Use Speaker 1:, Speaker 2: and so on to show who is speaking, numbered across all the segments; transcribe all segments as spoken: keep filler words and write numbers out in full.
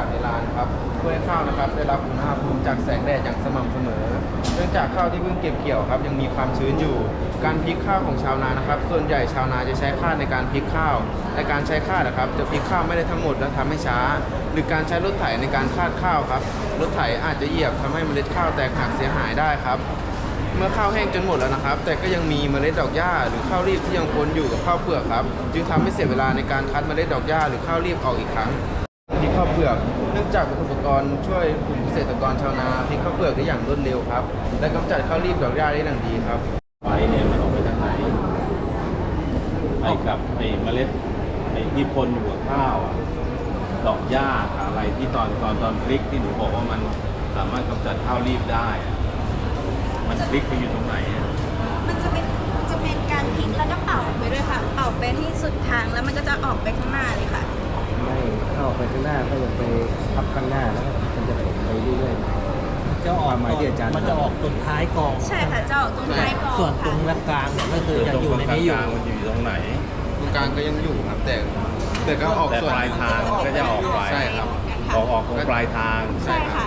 Speaker 1: ในลานครับเพื่อให้ข้าวนะครับได้รับอุณหภูมิจากแสงแดดอย่างสม่ำเสมอเนื่องจากข้าวที่เพิ่งเก็บเกี่ยวครับยังมีความชื้นอยู่การพลิกข้าวของชาวนานะครับส่วนใหญ่ชาวนาจะใช้คาดในการพลิกข้าวในการใช้คาดนะครับจะพลิกข้าวไม่ได้ทั้งหมดและทำให้ช้าหรือการใช้รถไถในการคาดข้าวครับรถไถอาจจะเหยียบทำให้เมล็ดข้าวแตกหักเสียหายได้ครับเมื่อข้าวแห้งจนหมดแล้วนะครับแต่ก็ยังมีเมล็ดดอกหญ้าหรือข้าวรีบที่ยังปนอยู่กับข้าวเปลือกครับจึงทำให้เสียเวลาในการคัดเมล็ดดอกหญ้าหรือข้าวรีบออกอีกครั้งพลิกข้าวเปลือกเนื่องจากอุปกรณ์ช่วยกลุ่มเกษตรกรชาวนาพลิกข้าวเปลือกได้อย่างรวดเร็วครับและกำจัดข้าวรีบดอกหญ้าได้อย่างดีครับ
Speaker 2: ไฟเนี่ยมันออกไปทางไหนไปกับไอ้เมล็ดไอ้ที่ปนอยู่กับข้าวอะดอกหญ้าอะไรที่ตอนตอนตอนพลิกที่หนูบอกว่ามันสามารถกำจัดข้าวรีบได้อะมันพลิกไปอยู่ตรงไหนอะ
Speaker 3: มันจะเป็นจะเป็นการพลิกแล้วก็เป่าไปด้วยค่ะ เป่าไปที่สุดทางแล้วมันก็จะออกไปข้างหน้าเลยค่ะ
Speaker 4: ไม่เข้าไปข้างหน้าก็ยังไปทับข้างหน้าแล้วก็มันจะไปเรื่อยๆจะออกหมายที่อาจารย์มันจะออกตรงท้ายกอง
Speaker 3: ใช่ค่ะจะออกตรงท้ายกอง
Speaker 4: ส่วนตร
Speaker 3: ค่ะ
Speaker 4: งกลางเนี่ยก็คือจะอยู่ในนี้อยู่
Speaker 2: ตรงกลางๆมันอยู่ตรงไหน
Speaker 1: ตรงกลางก็ยังอยู่ครับแต่แต่ก็ออก
Speaker 2: แต่
Speaker 1: ส่วน
Speaker 2: ปลายทางก็จะออกไป
Speaker 1: ใช่ครับ
Speaker 2: ออกออกตรงปลายทาง
Speaker 3: ใช่ค่ะ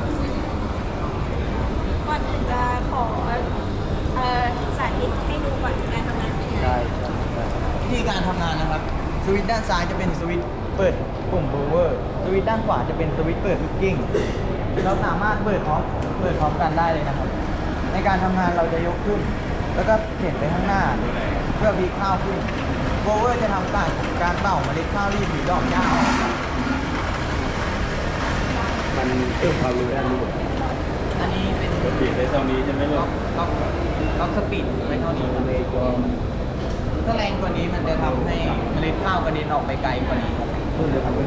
Speaker 3: ก่อนอื่นจะขอเอ่อสาธิตให้ดูก่อนการทำงานเป็นยังไง
Speaker 4: ได้ครับ
Speaker 5: วิธีการทำงานนะครับ สวิตช์ด้านซ้ายจะเป็นสวิตช์เปิดปุ่มโบเวอร์สวิตช์ด้านขวาจะเป็นสวิตช์เปิดลูกกิ้งเราสามารถเปิดพร้อมเปิดพร้อมกันได้เลยนะครับ ในการทำงานเราจะยกขึ้น แล้วก็เข็นไปข้างหน้า เพื่อพลิกข้าวขึ้นโบเวอร์จะทำการการเป่าเมล็ดข้าวรีบหรือดอกหญ้าออกครับ
Speaker 4: มันเพิ่มความเร็วได้ด้วย
Speaker 5: อันนี้เป็น
Speaker 2: ก็ปิดได้เท่านี้ใช่ไหมลู
Speaker 5: ล็อก กล็อกล็อกสปีดไว้เท่านี้ครับถ้าแรงกว่านี้มันจะทำให้เมล็ดข้าวกระเด็นออกไปไกลกว่านี้ครับ
Speaker 4: ขึ้นเลยครับ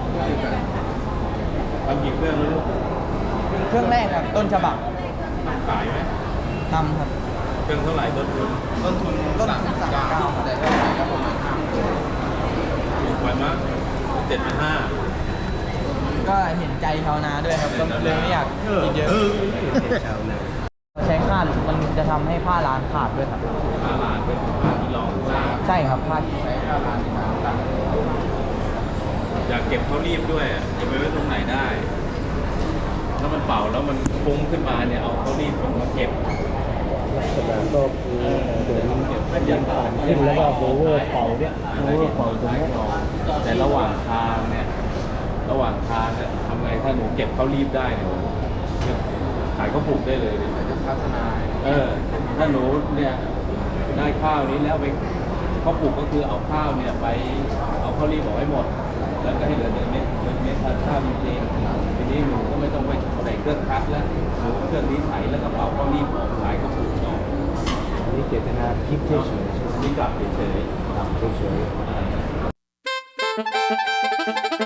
Speaker 2: ทำกี่เครื่องแล้วลูก
Speaker 5: เครื่องแรกครับต้นฉบับ
Speaker 2: ขายไหม
Speaker 5: ทำครับ
Speaker 2: เครื่องเท่าไหร่ต้นทุน
Speaker 1: ต้นทุน
Speaker 5: ต้นทุน
Speaker 1: สามสิบ
Speaker 5: สามสิบเก้า
Speaker 1: เก้าแต่ถ้าขายก็ประมาณห้าหมื่น
Speaker 2: ถูกไปมั้งเจ็ดพันห้า
Speaker 5: ก็เห็นใจชาวนาด้วยครับก็เลยไม่อยากกินเยอะ
Speaker 4: ชาวนา
Speaker 5: ใช้คาดมันจะทำให้ผ้าลานขาดด้วยครับ
Speaker 2: ผ้าลานเป็นผ้าที่รองทราบ
Speaker 5: ใช่ครับผ้า
Speaker 1: ใช้ค่าร้านในการตัด
Speaker 2: อยากเก็บข้าวรีบด้วยอะจะไปไว้ตรงไหนได้ ถ้ามันเป่าแล้วมันฟุ้งขึ้นมาเนี่ยเอาข้าวรีบผมมาเก็บ
Speaker 4: ลักษณะก็คือเหมือนยันผ่านขึ้นแล้วก็โบเวอร์เป่าเนี่ยโบเวอร์เป่าตรงนี้
Speaker 2: แต่ระหว่างทางเนี่ยระหว่างทางเนี่ยทำไงถ้าหนูเก็บข้าวรีบได้เนี่ยขายข้าวปลูกได้เลยเนี่ย
Speaker 1: จะพัฒนา
Speaker 2: เออถ้าหนูเนี่ยได้ข้าวนี้แล้วไปข้าวปลูกก็คือเอาข้าวเนี่ยไปเอาข้าวรีบออกให้หมด แล้วก็ให้เหลือเนื้อเม็ดเนื้อเม็ดทานข้าวจริงๆทีนี้หนูก็ไม่ต้องไปใส่เครื่องคัดแล้วหนูเครื่องนี้ไถแล้วก็เป่าข้าวรีบออกขายข้าวปลูกต่อ
Speaker 4: อันนี้เจตนาคลิปเฉยๆใช่ไหม
Speaker 2: นี่กลับเฉยๆ
Speaker 4: ทำเฉยๆ
Speaker 2: อ่า